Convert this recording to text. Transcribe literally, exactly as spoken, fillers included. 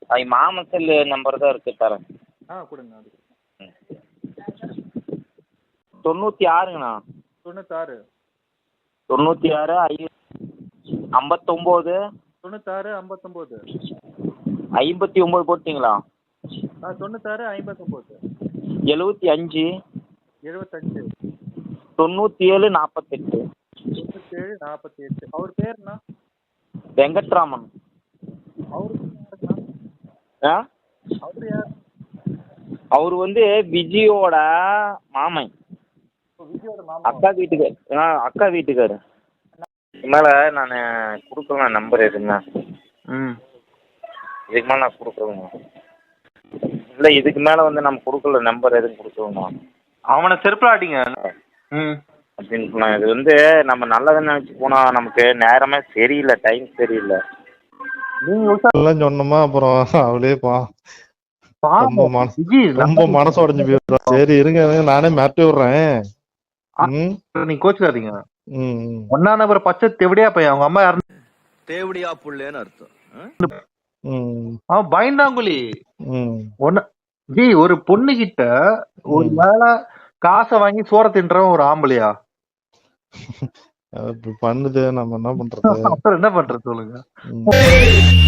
அது மாமா cell number தான் இருக்கு தரேன். ஆ கொடுங்க அது. தொண்ணூற்றி ஆறுங்கண்ணா. தொண்ணூத்தாறு தொண்ணூற்றி ஆறு ஐ ஐம்பத்தொம்போது தொண்ணூத்தாறு ஐம்பத்தொம்போது ஐம்பத்தி ஒம்பது போட்டிங்களா? ஆ தொண்ணூத்தாறு ஐம்பத்தொம்போது எழுபத்தி அஞ்சு எழுபத்தஞ்சு தொண்ணூற்றி ஏழு நாற்பத்தெட்டு தொண்ணூத்தேழு நாற்பத்தி எட்டு. அவர் பேருண்ணா? வெங்கட்ராமன். அவருக்கு யாருண்ணா? ஆ அவர் யார்? அவர் வந்து விஜயோட மாமன். விஜயோட மாமா. அக்கா வீட்டுக்கு ஆ அக்கா வீட்டுக்காரு. மேலே நான் கொடுக்கலாம் நம்பர் எதுங்க? ம் இதுக்கு மேலே நான் கொடுக்குறேங்க. இல்லை இதுக்கு மேலே வந்து நம்ம கொடுக்கல நம்பர் எதுவும் கொடுக்குறோங்க. அவனை செருப்பாட்டிங்க. ம் அப்படின்னு சொன்னாங்க. இது வந்து நம்ம நல்லதுன்னு நினச்சி போனால் நமக்கு நேரமே சரியில்லை, டைம் சரியில்லை. எல்லாம் சொன்னோமா அப்புறம் அவளே பா ரொம்ப மனசு ரொம்ப மனசு உடஞ்சு போயிடுறா. சரி இருங்க நானே மாட்டி விடுறேன். நீங்க கோச்சுக்காதீங்க. ம் ஒன்னா நம்பர் பச்சை தெவடியா பையன். அவங்க அம்மா யாரு? தேவடியா புள்ளேன்னு அர்த்தம். ம் அவன் பயந்தாங்குழி. ம் ஒன்னு ஜி ஒரு பொண்ணு கிட்ட ஒரு வேளை காசை வாங்கி சோற தின்றவன் ஒரு ஆம்பளையா? அது பண்ணுது, நம்ம என்ன பண்றது? அப்புறம் என்ன பண்றது சொல்லுங்க.